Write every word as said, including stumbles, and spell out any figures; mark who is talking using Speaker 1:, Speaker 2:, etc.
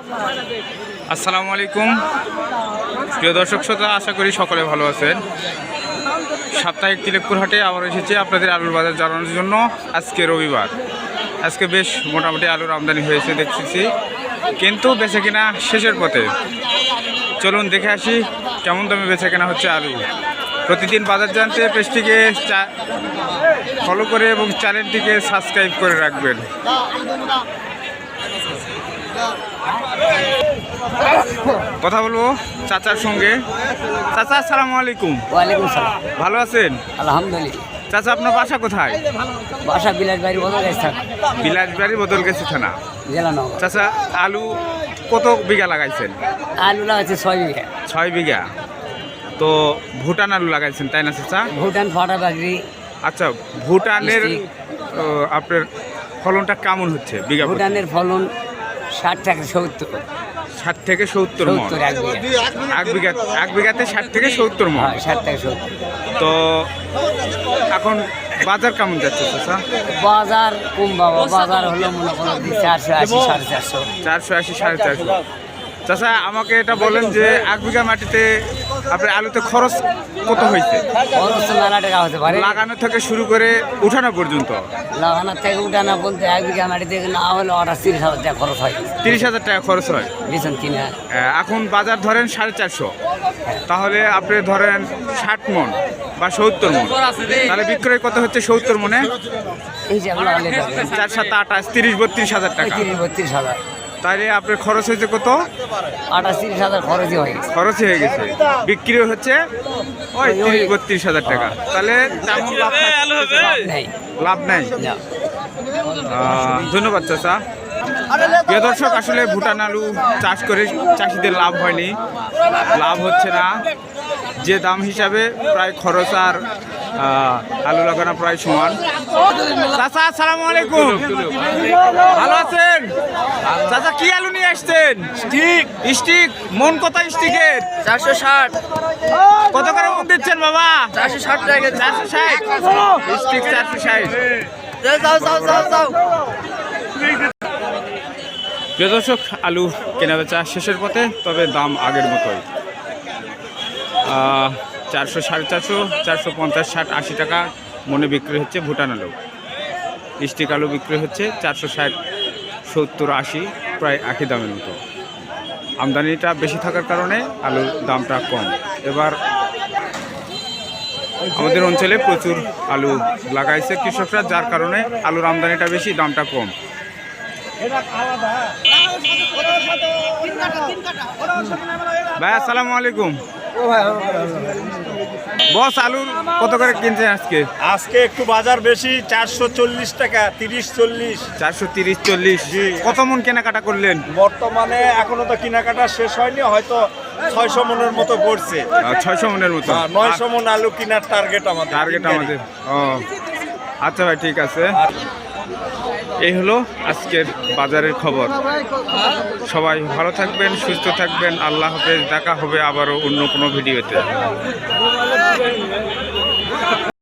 Speaker 1: আসসালামু আলাইকুম প্রিয় দর্শক শ্রোতা, আশা করি সকলে ভালো আছেন। সাপ্তাহিক তিলেকপুর হাটে আবার এসেছি আপনাদের আলুর বাজার জানানোর জন্য। আজকে রবিবার, আজকে বেশ মোটামুটি আলুর আমদানি হয়েছে দেখতেছি, কিন্তু বেচে কেনা শেষের পথে। চলুন দেখে আসি কেমন দামে বেচে কেনা হচ্ছে আলু। প্রতিদিন বাজার জানতে পেজটিকে ফলো করে এবং চ্যানেলটিকে সাবস্ক্রাইব করে রাখবেন। কথা বলবো চাচার সঙ্গে। চাচা আসসালামু আলাইকুম।
Speaker 2: ওয়ালাইকুম সালাম।
Speaker 1: ভালো আছেন?
Speaker 2: আলহামদুলিল্লাহ।
Speaker 1: চাচা আপনার বাসা কোথায়?
Speaker 2: বাসা বিলাসবাড়ি বদল গেছে থানা।
Speaker 1: বিলাসবাড়ি বদলগাছি থানা,
Speaker 2: জেলা নগর।
Speaker 1: চাচা আলু কত বিঘা লাগাইছেন?
Speaker 2: আলু লাগাচ্ছে ছয় বিঘা।
Speaker 1: ছয় বিঘা। তো ভুটান আলু লাগাইছেন তাই না চাচা?
Speaker 2: ভুটান ফাটা বাগরি।
Speaker 1: আচ্ছা, ভুটানের ও, আপনার ফলনটা কেমন হচ্ছে বিঘা?
Speaker 2: ভুটানের ফলন ষাট থেকে সত্তর।
Speaker 1: ষাট থেকে সত্তর মণ।
Speaker 2: সত্তর এক বিঘা।
Speaker 1: এক বিঘা এক বিঘাতে ষাট থেকে সত্তর মণ।
Speaker 2: হ্যাঁ, ষাট থেকে সত্তর।
Speaker 1: তো এখন বাজার কেমন যাচ্ছে চাচা?
Speaker 2: বাজার কম বাবা, বাজার হলো মনে করো চারশো আশি সাড়ে চারশো।
Speaker 1: চারশো আশি সাড়ে চারশো। চাচা আমাকে এটা বলেন যে এক বিঘা মাটিতে আপনার আলুতে খরচ কত হয়েছে?
Speaker 2: খরচ তো মেলা টাকা হতে পারে।
Speaker 1: লাগানো থেকে শুরু করে উঠানো পর্যন্ত?
Speaker 2: লাগানোর থেকে উঠানো বলতে এক বিঘা মাটিতে না হলে অর্ডার তিরিশ হাজার টাকা খরচ হয়।
Speaker 1: তিরিশ হাজার টাকা খরচ হয়
Speaker 2: বেতন কিনা।
Speaker 1: এখন বাজার ধরেন সাড়ে চারশো, তাহলে আপনি ধরেন ষাট মণ বা সত্তর মণ, তাহলে বিক্রয় কত হচ্ছে সত্তর মণে?
Speaker 2: এই যে আমরা আলে
Speaker 1: চার সাত আঠাশ তিরিশ বত্রিশ হাজার টাকা।
Speaker 2: তিরিশ বত্রিশ হাজার।
Speaker 1: তাহলে আপনার খরচ হয়েছে কত?
Speaker 2: আঠাশ তিরিশ হাজার খরচই হয়ে গেছে।
Speaker 1: খরচই হয়ে গেছে, বিক্রি হচ্ছে ওই তিরিশ বত্রিশ হাজার টাকা। তাহলে তেমন লাভ
Speaker 2: নেই।
Speaker 1: লাভ নাই। আহ, ধন্যবাদ চাচা। প্রিয় দর্শক, আসলে ভুটান আলু চাষ করে চাষিদের লাভ হয়নি, লাভ হচ্ছে না। যে দাম হিসাবে প্রায় খরচ আর আলু লাগানো প্রায় সমান। চাচা আসসালামু আলাইকুম। ভালো আছেন? চাচা কি আলু নিয়ে আসছেন? স্টিক। স্টিক মন কত স্টিকের?
Speaker 2: চারশো ষাট।
Speaker 1: কত করে মন দিচ্ছেন বাবা?
Speaker 2: চারশো ষাট টাকা।
Speaker 1: চারশো ষাট স্টিক, চারশো ষাট। প্রিয় দর্শক, আলু কেনা বেচা শেষের পথে, তবে দাম আগের মতোই। চারশো সাড়ে চারশো চারশো পঞ্চাশ ষাট আশি টাকা মনে বিক্রি হচ্ছে ভুটান আলু। স্টিক আলু বিক্রি হচ্ছে চারশো ষাট সত্তর আশি, প্রায় একই দামের মতো। আমদানিটা বেশি থাকার কারণে আলুর দামটা কম। এবার আমাদের অঞ্চলে প্রচুর আলু লাগাইছে কৃষকরা, যার কারণে আলুর আমদানিটা বেশি, দামটা কম। ভাই আসসালামু আলাইকুম। বস আলুর কত করে কিনছেন আজকে?
Speaker 3: আজকে একটু বাজার বেশি, চারশো চল্লিশ টাকা, তিরিশ চল্লিশ।
Speaker 1: চারশো তিরিশ চল্লিশ। কত মন কেনাকাটা করলেন?
Speaker 3: বর্তমানে এখনো তো কেনাকাটা শেষ হয়নি, হয়তো ছয়শো মনের মতো পড়ছে।
Speaker 1: ছয়শো মনের মতো।
Speaker 3: নয়শো মন আলু কেনার টার্গেট আমাদের।
Speaker 1: টার্গেট আমাদের। ও আচ্ছা ভাই, ঠিক আছে। এই হলো আজকের বাজারের খবর। সবাই ভালো থাকবেন, সুস্থ থাকবেন। আল্লাহ হাফেজ। দেখা হবে আবারও অন্য কোনো ভিডিওতে।